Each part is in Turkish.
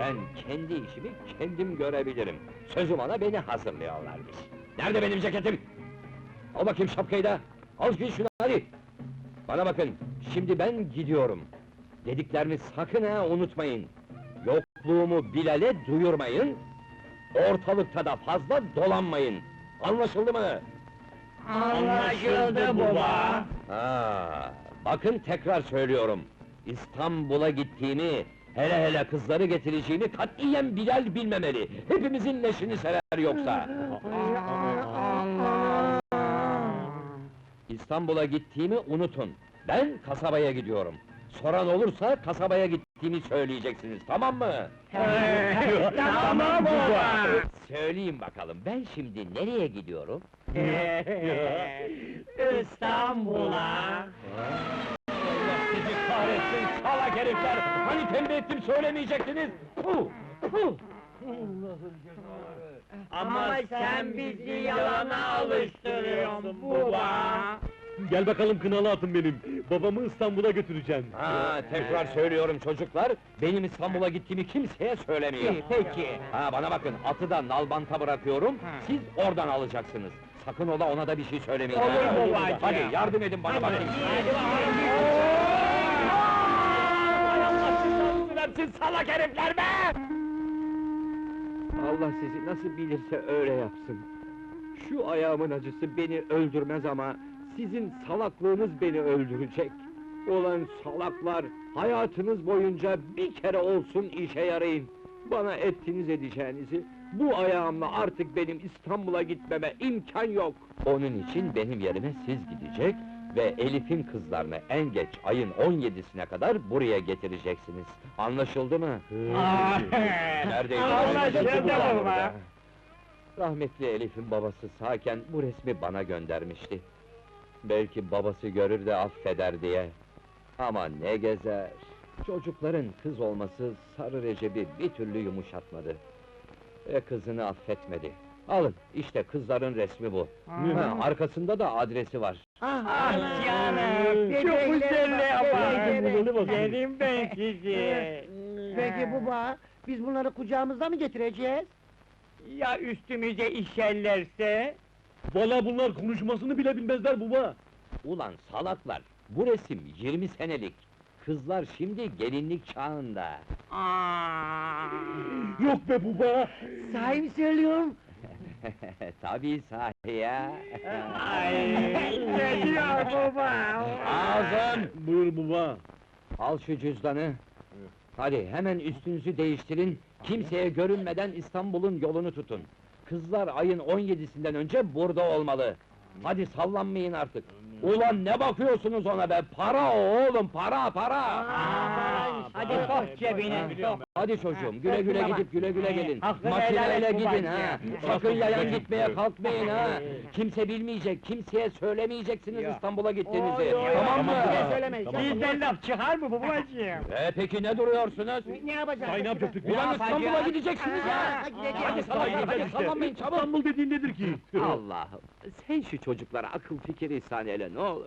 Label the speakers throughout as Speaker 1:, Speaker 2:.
Speaker 1: Ben kendi işimi kendim görebilirim. Sözüm ona beni hazırlıyorlarmış. Nerede benim ceketim? Al bakayım şapkayı da! Al giy şunu hadi! Bana bakın, şimdi ben gidiyorum. Dediklerimi sakın ha unutmayın. Yokluğumu Bilal'e duyurmayın. Ortalıkta da fazla dolanmayın. Anlaşıldı mı?
Speaker 2: Anlaşıldı baba.
Speaker 1: Ha, bakın tekrar söylüyorum. İstanbul'a gittiğimi, hele hele kızları getireceğini katiyen Bilal bilmemeli. Hepimizin leşini serer yoksa. İstanbul'a gittiğimi unutun. Ben kasabaya gidiyorum. Soran olursa kasabaya gittiğimi söyleyeceksiniz, tamam mı?
Speaker 2: Tamam baba.
Speaker 1: Söyleyin bakalım, ben şimdi nereye gidiyorum?
Speaker 2: İstanbul'a.
Speaker 1: Allah sizi kahretsin, salak herifler! Hani tembih ettim söylemeyecektiniz? Puh! Puh!
Speaker 2: Ama sen bizi yalana alıştırıyorsun baba.
Speaker 3: Gel bakalım kınalı atım benim. Babamı İstanbul'a götüreceğim.
Speaker 1: Ha, tekrar söylüyorum çocuklar, benim İstanbul'a gittiğimi kimseye söylemeyin.
Speaker 2: Peki.
Speaker 1: Ha, bana bakın, atı da nalbanta bırakıyorum, siz oradan alacaksınız. Sakın ola ona da bir şey söylemeyin.
Speaker 2: Olur
Speaker 1: ha.
Speaker 2: babacığım.
Speaker 1: Hadi yardım edin bana bakın.
Speaker 2: Hay Allah sizi versin salak herifler be!
Speaker 4: Allah sizi nasıl bilirse öyle yapsın. Şu ayağımın acısı beni öldürmez ama sizin salaklığınız beni öldürecek. Ulan salaklar, hayatınız boyunca bir kere olsun işe yarayın. Bana ettiniz edeceğinizi, bu ayağımla artık benim İstanbul'a gitmeme imkan yok.
Speaker 1: Onun için benim yerime siz gidecek ve Elif'in kızlarını en geç ayın 17'sine kadar buraya getireceksiniz. Anlaşıldı mı? Neredeydi?
Speaker 2: Anlaşıldı baba.
Speaker 1: Rahmetli Elif'in babası sağken bu resmi bana göndermişti. Belki babası görür de affeder diye. Ama ne gezer! Çocukların kız olması Sarı Recep'i bir türlü yumuşatmadı. Ve kızını affetmedi. Alın, işte kızların resmi bu. Ha, arkasında da adresi var.
Speaker 2: Ah canım, çok güzel yapar. Yerim ben sizi.
Speaker 5: Peki baba, biz bunları kucağımızda mı getireceğiz?
Speaker 2: Ya üstümüze işerlerse?
Speaker 3: Valla bunlar konuşmasını bile bilmezler baba.
Speaker 1: Ulan salaklar, bu resim 20 senelik. Kızlar şimdi gelinlik çağında.
Speaker 3: Yok be baba.
Speaker 5: Sahi mi söylüyorum?
Speaker 1: Tabii sahi ya.
Speaker 2: Ay, ne diyor baba?
Speaker 1: Ağzım!
Speaker 3: Buyur baba.
Speaker 1: Al şu cüzdanı. Hadi hemen üstünüzü değiştirin, kimseye görünmeden İstanbul'un yolunu tutun. Kızlar ayın 17'sinden önce burada olmalı. Hadi sallanmayın artık. Ulan ne bakıyorsunuz ona be? Para o oğlum, para, para!
Speaker 2: Hadi sok cebine, sok.
Speaker 1: Hadi çocuğum, güle güle gidip güle güle gelin.
Speaker 2: Hakkını helal
Speaker 1: Makineyle
Speaker 2: et
Speaker 1: gidin
Speaker 2: babacığım.
Speaker 1: ha! Sakın yayan gitmeye kalkmayın ha! Kimse bilmeyecek, kimseye söylemeyeceksiniz İstanbul'a gittiğinizi. Tamam mı?
Speaker 5: Söylemeyiz.
Speaker 2: Bizden laf çıkar mı babacığım?
Speaker 1: Peki ne duruyorsunuz?
Speaker 5: Ne yapacağız?
Speaker 3: Say ne yapacaktık?
Speaker 1: Ulan
Speaker 2: yapacağız?
Speaker 1: İstanbul'a gideceksiniz ya!
Speaker 5: Gideceğiz.
Speaker 1: Hadi sallanmayın, hadi sallanmayın çabuk!
Speaker 3: İstanbul dediğin nedir ki?
Speaker 4: Allah'ım, sen şu çocuklara akıl fikir ihsan eyle ne olur.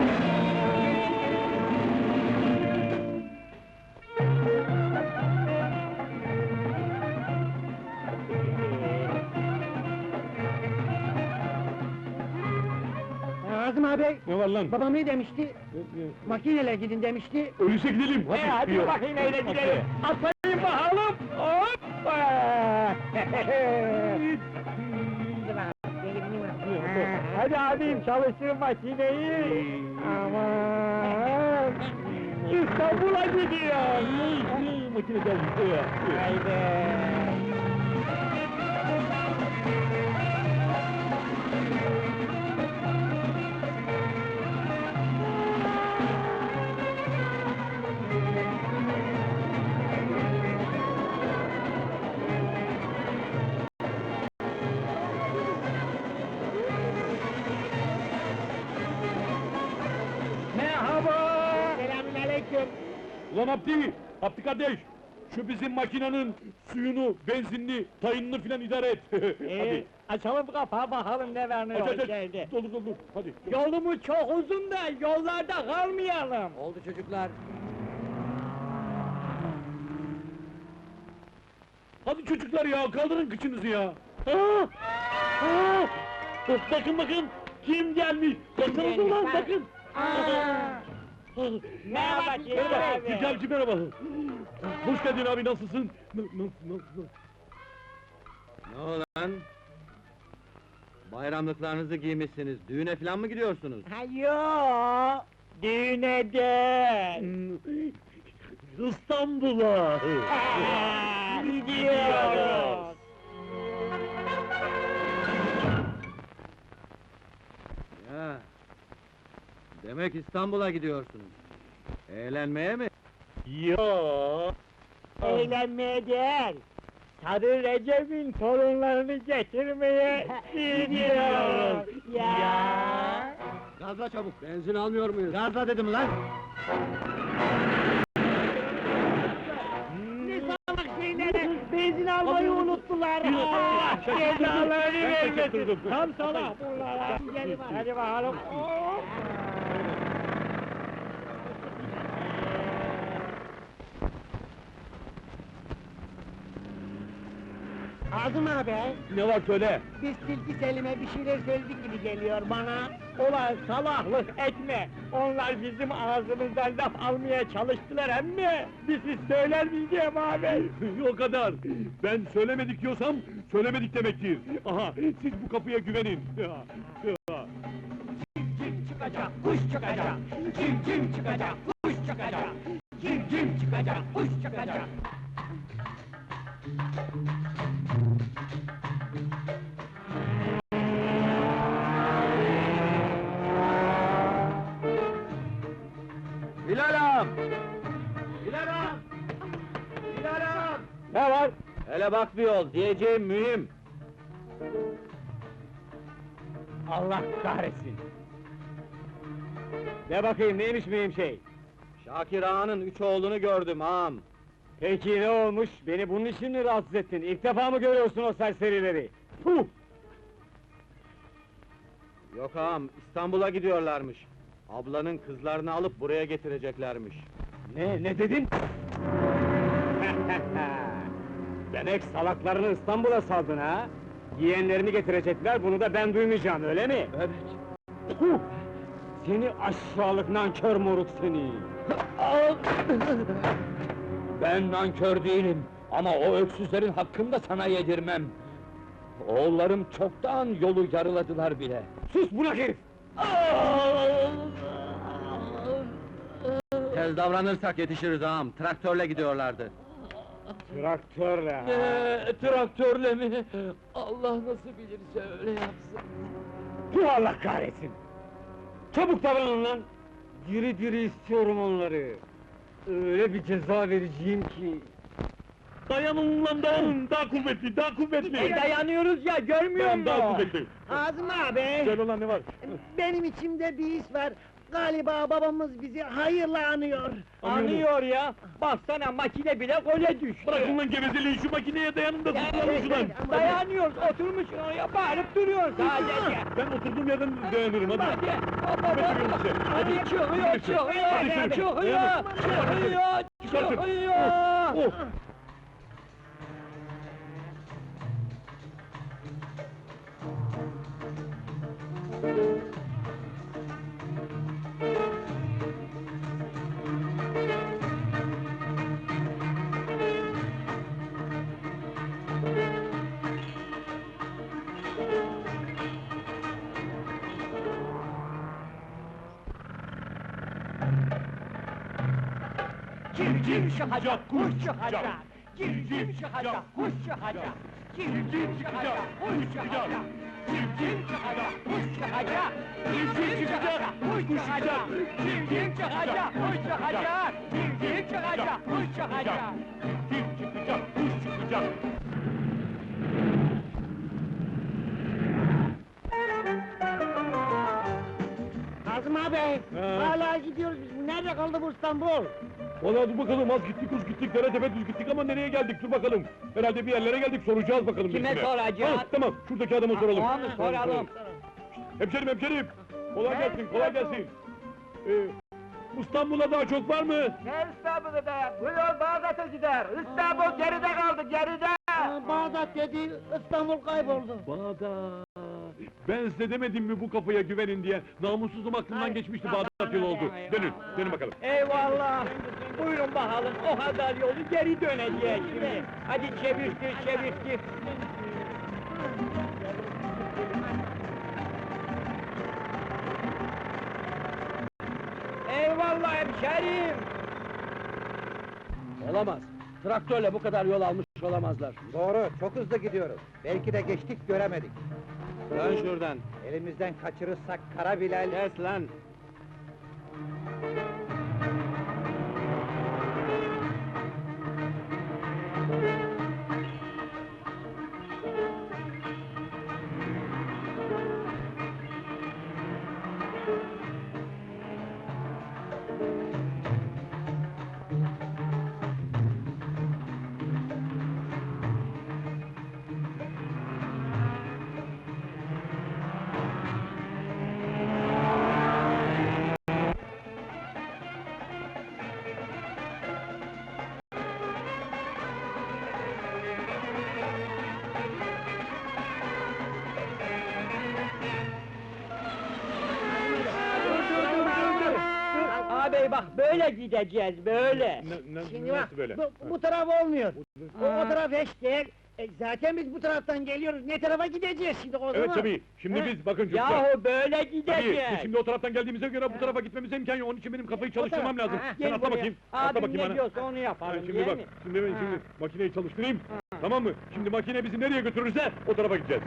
Speaker 5: Azım abi,
Speaker 3: Ne var lan?
Speaker 5: babam ne demişti? Makineyle gidin demişti.
Speaker 3: Öyleyse gidelim.
Speaker 2: Hadi bakayım öyle gidelim. Atlayın bakalım. Hoppa! Hadi abim çalıştır makineyi. Aman! İstanbul'a gidiyor.
Speaker 3: Makine geldi.
Speaker 2: Haydi. Merhaba. Selamünaleyküm.
Speaker 3: Ulan Abdi kardeş! Şu bizim makinenin suyunu, benzinini, tayınını filan idare et. Hadi.
Speaker 2: Açalım kapağı bakalım ne var ne
Speaker 3: Aç
Speaker 2: yok
Speaker 3: aç aç!
Speaker 2: içeride.
Speaker 3: Doldur doldur, hadi!
Speaker 2: Yolumuz çok uzun da yollarda kalmayalım.
Speaker 1: Oldu çocuklar.
Speaker 3: Hadi çocuklar ya, kaldırın kıçınızı ya! Bakın bakın! Kim gelmiş? Bakın ulan bakın!
Speaker 2: Merhaba
Speaker 3: Merhaba, Zülkalcı merhaba! Hoş geldin abi, nasılsın? Nasıl?
Speaker 4: Ne olan? Bayramlıklarınızı giymişsiniz, düğüne falan mı gidiyorsunuz?
Speaker 2: Ha yo, düğüne de.
Speaker 3: İstanbul'a!
Speaker 2: Gidiyoruz.
Speaker 4: Ya, demek İstanbul'a gidiyorsunuz. Eğlenmeye mi?
Speaker 3: Ya!
Speaker 2: Eğlenmeye değil. Sarı Recep'in torunlarını getirmeye gidiyoruz. Ya.
Speaker 4: Gazla çabuk, benzin almıyor muyuz? Gazla dedim lan!
Speaker 2: Ne salak şeyleri, benzin almayı unuttular. Allah cezalarını vermesin.
Speaker 3: kaçırdım.
Speaker 2: Tam salak bunlar. Hadi bakalım. Azım abi,
Speaker 3: Ne var söyle?
Speaker 2: biz Tilki Selim'e bir şeyler söyledik gibi geliyor bana. Ulan salaklık etme! Onlar bizim ağzımızdan laf almaya çalıştılar emmi! Biz söyler miydim abi?
Speaker 3: O kadar! Ben söylemedik diyorsam, söylemedik demektir! Aha, siz bu kapıya güvenin!
Speaker 2: Kim çıkacak, kuş çıkacak! Kim çıkacak, kuş çıkacak! Kim çıkacak, kuş çıkacak!
Speaker 4: Bilal ağam!
Speaker 2: Ne var?
Speaker 4: Hele bak bir yol, diyeceğim mühim!
Speaker 2: Allah kahretsin! Ne bakayım, neymiş mühim şey?
Speaker 4: Şakir ağanın 3 oğlunu gördüm ağam!
Speaker 2: Peki ne olmuş? Beni bunun için mi rahatsız ettin? İlk defa mı görüyorsun o serserileri? Puh!
Speaker 4: Yok ağam, İstanbul'a gidiyorlarmış. Ablanın kızlarını alıp buraya getireceklermiş.
Speaker 2: Ne dedin? Demek salaklarını İstanbul'a saldın ha? Yeğenlerini getirecekler, bunu da ben duymayacağım, öyle mi?
Speaker 4: Evet.
Speaker 2: Puh! Seni aşağılık nankör moruk seni!
Speaker 1: Ben nankör değilim ama o öksüzlerin hakkını da sana yedirmem. Oğullarım çoktan yolu yarıladılar bile.
Speaker 2: Sus bunak herif!
Speaker 4: Tez davranırsak yetişiriz ağam, traktörle gidiyorlardı.
Speaker 2: Traktörle!
Speaker 1: Traktörle mi? Allah nasıl bilirse öyle yapsın.
Speaker 2: Bu Allah kahretsin! Çabuk davranın lan! Diri diri istiyorum onları! Öyle bir ceza vereceğim ki...
Speaker 3: Dayanın lan dayanın! Daha kuvvetli, daha kuvvetli!
Speaker 2: Dayanıyoruz ya, görmüyor
Speaker 3: Dayan, daha kuvvetli!
Speaker 5: Azmi abi,
Speaker 3: Söyle lan ne var?
Speaker 5: benim içimde bir his var. Galiba babamız bizi hayırla anıyor.
Speaker 2: Anıyor ya! Baksana makine bile gole düştü!
Speaker 3: Bırakın lan gevezeliği, şu makineye dayanın da tutulalım şuradan!
Speaker 2: Dayanıyoruz, oturmuşsun oraya, bağırıp duruyorsun sadece!
Speaker 3: Ben oturduğum yerden dayanırım, hadi!
Speaker 2: Hadi,
Speaker 3: Hadi
Speaker 2: çıkıyor, çıkıyor!
Speaker 3: Oh!
Speaker 2: Kim çıkacak, kuş çıkacak! Kim çıkacak, kuş çıkacak! Kim çıkacak, kuş çıkacak! Kim çıkacak, kuş çıkacak! Kim çıkacak, kuş çıkacak! Kim çıkacak, kuş çıkacak! Kim çıkacak, kuş çıkacak!
Speaker 3: Kim çıkacak, kuş çıkacak!
Speaker 5: Azmi abi, hala gidiyoruz biz. Nerede kaldı bu İstanbul?
Speaker 3: Valla dur bakalım, az gittik, uz gittik, dere tepe düz gittik ama nereye geldik, dur bakalım! Herhalde bir yerlere geldik, soracağız bakalım
Speaker 2: Kime
Speaker 3: birisine.
Speaker 2: soracağız?
Speaker 3: Ha, tamam, şuradaki adama soralım.
Speaker 2: Tamam, soralım.
Speaker 3: Hemşerim! Kolay gelsin, kolay gelsin! İstanbul'a daha çok var mı?
Speaker 2: Ne İstanbul'da be? Bu yol Bağdat'a gider! İstanbul geride kaldı, geride!
Speaker 5: Bağdat dedi, İstanbul kayboldu.
Speaker 3: Bağdat! Ben size demedim mi bu kafaya güvenin diye? Namussuzum aklımdan geçmişti, Bağdat yolu oldu. Dönün, dönün bakalım.
Speaker 2: Eyvallah! Buyurun bakalım, o kadar yolu geri döneceğiz şimdi. Hadi çevirtir, çevirtir. Eyvallah hemşerim!
Speaker 1: Olamaz. Traktörle bu kadar yol almış olamazlar.
Speaker 6: Doğru, çok hızlı gidiyoruz. Belki de geçtik, göremedik.
Speaker 4: Dön şuradan.
Speaker 6: Elimizden kaçırırsak Kara Bilal...
Speaker 4: Kes lan!
Speaker 2: Ağabey bak böyle gideceğiz, böyle.
Speaker 5: Şimdi bak,
Speaker 3: nasıl böyle?
Speaker 5: bu taraf olmuyor. O taraf hiç değil. Zaten biz bu taraftan geliyoruz, ne tarafa gideceğiz şimdi o zaman?
Speaker 3: Evet tabii, şimdi
Speaker 5: He?
Speaker 3: biz bakın çocuklar.
Speaker 2: Yahu böyle
Speaker 3: Tabii,
Speaker 2: gideceğiz.
Speaker 3: biz şimdi o taraftan geldiğimize göre bu tarafa gitmemize imkan yok. Onun için benim kafayı çalıştırmam lazım.
Speaker 5: Ha,
Speaker 3: Sen
Speaker 2: Gel
Speaker 3: atla
Speaker 2: buraya.
Speaker 3: bakayım, atla
Speaker 2: Abim
Speaker 3: bakayım
Speaker 2: ne
Speaker 3: bana.
Speaker 2: diyorsa onu
Speaker 3: Ha,
Speaker 2: yapalım,
Speaker 3: şimdi
Speaker 2: değil
Speaker 3: bak,
Speaker 2: mi?
Speaker 3: şimdi ben şimdi makineyi çalıştırayım. Tamam mı? Şimdi makine bizi nereye götürürse o tarafa gideceğiz.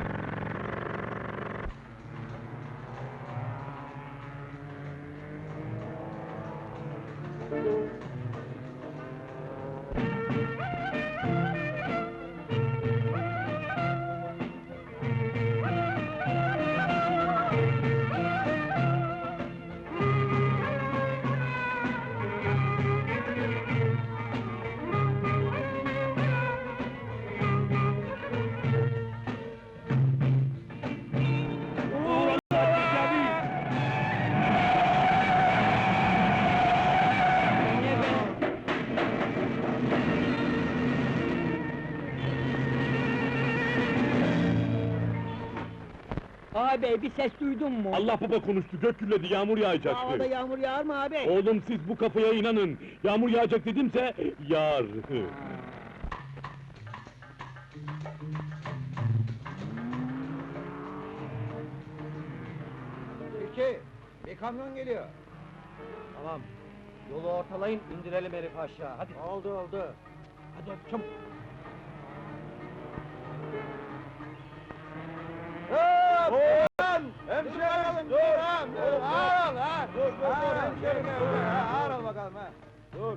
Speaker 2: Ağabey bir ses duydun mu?
Speaker 3: Allah baba konuştu, gök gürledi, yağmur
Speaker 5: Havada
Speaker 3: yağacaktı.
Speaker 5: yağmur yağar mı abi?
Speaker 3: Oğlum siz bu kafaya inanın. Yağmur yağacak dedimse yağar.
Speaker 6: İki, bir kamyon geliyor. Tamam. Yolu ortalayın, indirelim herifi aşağı. Hadi. Oldu, oldu.
Speaker 3: Hadi çabuk.
Speaker 6: Hemşerim, dur! Dur, ağır ol, ha! Dur, hemşerim, ağır ol bakalım, ha! Dur!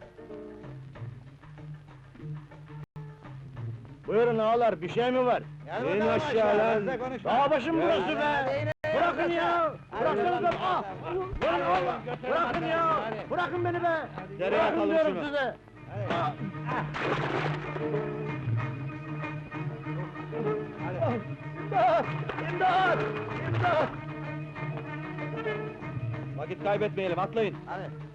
Speaker 5: Buyurun ağalar, bir şey mi var?
Speaker 6: İn aşağı lan!
Speaker 5: Dağ başım burası be! Bırakın ya! Bıraksanıza! Ah! Lan oğlum! Bırakın ya! Bırakın beni be!
Speaker 6: Nereye
Speaker 5: Bırakın
Speaker 6: atalım
Speaker 5: diyorum
Speaker 6: şunu?
Speaker 5: size! Ah! İmdat! İmdat! İmdat!
Speaker 6: Vakit kaybetmeyelim, atlayın!
Speaker 5: Hadi!